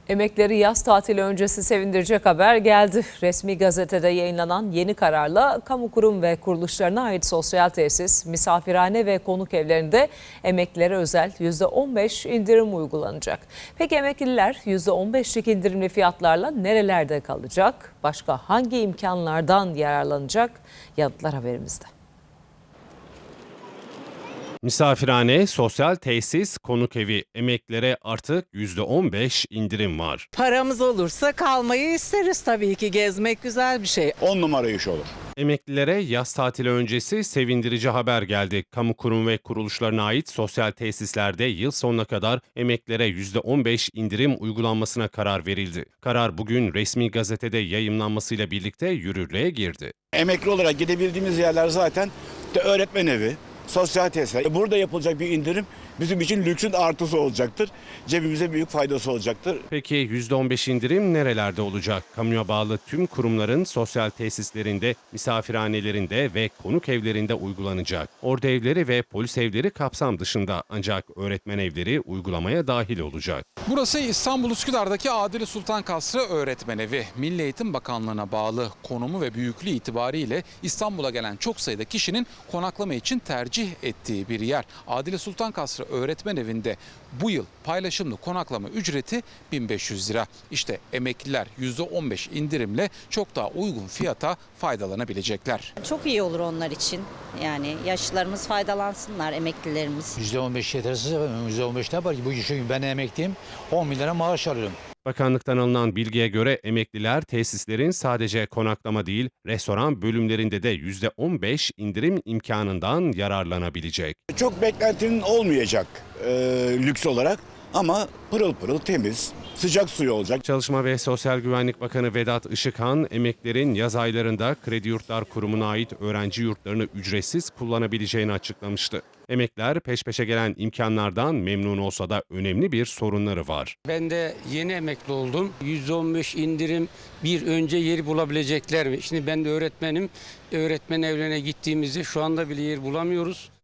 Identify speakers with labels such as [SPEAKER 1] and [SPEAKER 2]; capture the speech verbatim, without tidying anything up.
[SPEAKER 1] Emekleri yaz tatili öncesi sevindirecek haber geldi. Resmi gazetede yayınlanan yeni kararla kamu kurum ve kuruluşlarına ait sosyal tesis, misafirhane ve konuk evlerinde emeklilere özel yüzde on beş indirim uygulanacak. Peki emekliler yüzde on beşlik indirimli fiyatlarla nerelerde kalacak? Başka hangi imkanlardan yararlanacak? Yanıtlar haberimizde.
[SPEAKER 2] Misafirhane, sosyal tesis, konuk evi emeklilere artık yüzde on beş indirim var.
[SPEAKER 3] Paramız olursa kalmayı isteriz tabii ki. Gezmek güzel bir şey.
[SPEAKER 4] on numara iş olur.
[SPEAKER 2] Emeklilere yaz tatili öncesi sevindirici haber geldi. Kamu kurum ve kuruluşlarına ait sosyal tesislerde yıl sonuna kadar emeklilere yüzde on beş indirim uygulanmasına karar verildi. Karar bugün resmi gazetede yayımlanmasıyla birlikte yürürlüğe girdi.
[SPEAKER 4] Emekli olarak gidebildiğimiz yerler zaten de öğretmen evi, sosyal tesisler. Burada yapılacak bir indirim bizim için lüksün artısı olacaktır. Cebimize büyük faydası olacaktır.
[SPEAKER 2] Peki yüzde on beş indirim nerelerde olacak? Kamuya bağlı tüm kurumların sosyal tesislerinde, misafirhanelerinde ve konuk evlerinde uygulanacak. Ordu evleri ve polis evleri kapsam dışında, ancak öğretmen evleri uygulamaya dahil olacak.
[SPEAKER 5] Burası İstanbul Üsküdar'daki Adile Sultan Kasrı Öğretmen Evi. Milli Eğitim Bakanlığı'na bağlı konumu ve büyüklüğü itibariyle İstanbul'a gelen çok sayıda kişinin konaklama için tercih ettiği bir yer. Adile Sultan Kasrı Öğretmen Evi'nde bu yıl paylaşımlı konaklama ücreti bin beş yüz lira. İşte emekliler yüzde on beş indirimle çok daha uygun fiyata faydalanabilecekler.
[SPEAKER 6] Çok iyi olur onlar için. Yani yaşlılarımız faydalansınlar, emeklilerimiz.
[SPEAKER 7] yüzde on beş yetersiz efendim. yüzde on beş ne yapar ki? Bu işi ben emekliyim. on bin lira maaş alıyorum.
[SPEAKER 2] Bakanlıktan alınan bilgiye göre emekliler tesislerin sadece konaklama değil, restoran bölümlerinde de yüzde on beş indirim imkanından yararlanabilecek.
[SPEAKER 4] Çok beklentinin olmayacak e, lüks olarak ama pırıl pırıl temiz, sıcak suyu olacak.
[SPEAKER 2] Çalışma ve Sosyal Güvenlik Bakanı Vedat Işıkhan, emeklilerin yaz aylarında Kredi Yurtlar Kurumu'na ait öğrenci yurtlarını ücretsiz kullanabileceğini açıklamıştı. Emekliler peş peşe gelen imkanlardan memnun olsa da önemli bir sorunları var.
[SPEAKER 8] Ben de yeni emekli oldum. yüzde on beş indirim bir önce yeri bulabilecekler mi? Şimdi ben de öğretmenim. Öğretmen evlerine gittiğimizde şu anda bile yer bulamıyoruz.